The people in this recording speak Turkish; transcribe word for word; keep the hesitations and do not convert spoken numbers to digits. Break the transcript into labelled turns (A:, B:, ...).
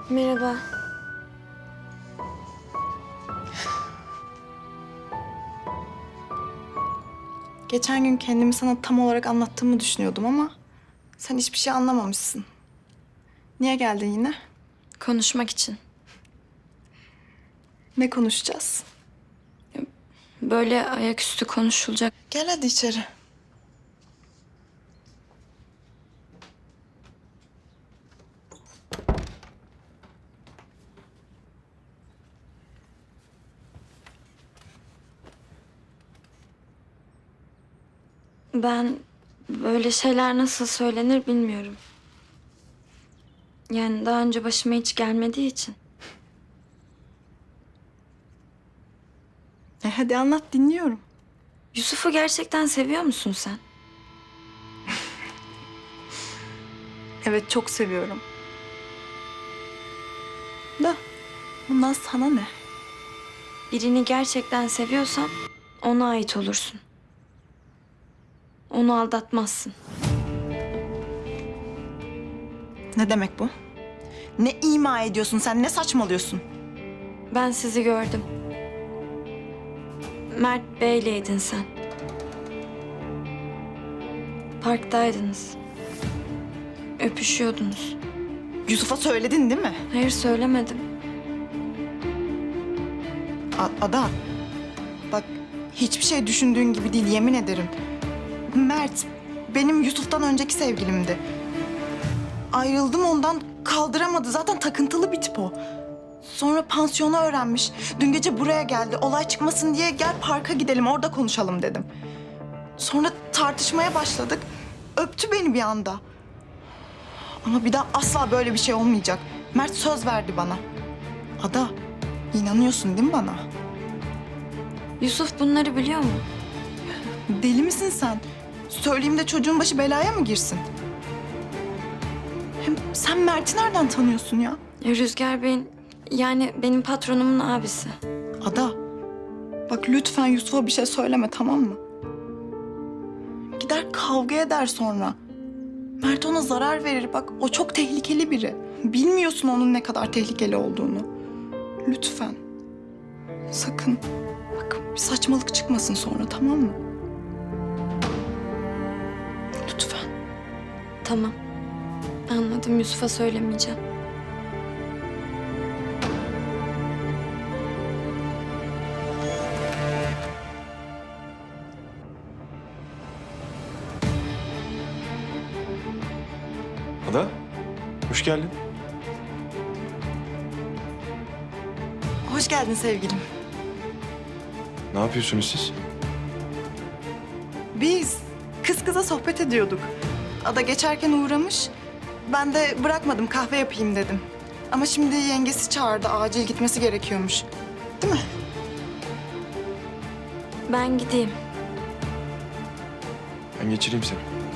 A: Merhaba.
B: Geçen gün kendimi sana tam olarak anlattığımı düşünüyordum ama sen hiçbir şey anlamamışsın. Niye geldin yine?
A: Konuşmak için.
B: Ne konuşacağız?
A: Böyle ayaküstü konuşulacak.
B: Gel hadi içeri.
A: Ben böyle şeyler nasıl söylenir bilmiyorum. Yani daha önce başıma hiç gelmediği için.
B: E hadi anlat, dinliyorum.
A: Yusuf'u gerçekten seviyor musun sen?
B: Evet, çok seviyorum. Da bundan sana ne?
A: Birini gerçekten seviyorsan ona ait olursun. Onu aldatmazsın.
B: Ne demek bu? Ne ima ediyorsun sen, ne saçmalıyorsun?
A: Ben sizi gördüm. Mert Bey'leydin sen. Parktaydınız. Öpüşüyordunuz.
B: Yusuf'a söyledin değil mi?
A: Hayır, söylemedim.
B: A- Ada, bak hiçbir şey düşündüğün gibi değil, yemin ederim. Mert benim Yusuf'tan önceki sevgilimdi. Ayrıldım ondan, kaldıramadı. Zaten takıntılı bir tip o. Sonra pansiyonu öğrenmiş. Dün gece buraya geldi. Olay çıkmasın diye gel parka gidelim, orada konuşalım dedim. Sonra tartışmaya başladık. Öptü beni bir anda. Ama bir daha asla böyle bir şey olmayacak. Mert söz verdi bana. Ada, inanıyorsun değil mi bana?
A: Yusuf bunları biliyor mu?
B: Deli misin sen? Söyleyeyim de çocuğun başı belaya mı girsin? Hem sen Mert'i nereden tanıyorsun ya?
A: Ya Rüzgar Bey'in, yani benim patronumun abisi.
B: Ada, bak lütfen Yusuf'a bir şey söyleme, tamam mı? Gider kavga eder sonra. Mert ona zarar verir, bak o çok tehlikeli biri. Bilmiyorsun onun ne kadar tehlikeli olduğunu. Lütfen. Sakın. Bak bir saçmalık çıkmasın sonra, tamam mı? Lütfen.
A: Tamam. Anladım, Yusuf'a söylemeyeceğim.
C: Ada, hoş geldin.
B: Hoş geldin sevgilim.
C: Ne yapıyorsunuz siz?
B: Biz kız kıza sohbet ediyorduk. Ada geçerken uğramış. Ben de bırakmadım, kahve yapayım dedim. Ama şimdi yengesi çağırdı, acil gitmesi gerekiyormuş. Değil mi?
A: Ben gideyim.
C: Ben geçireyim seni.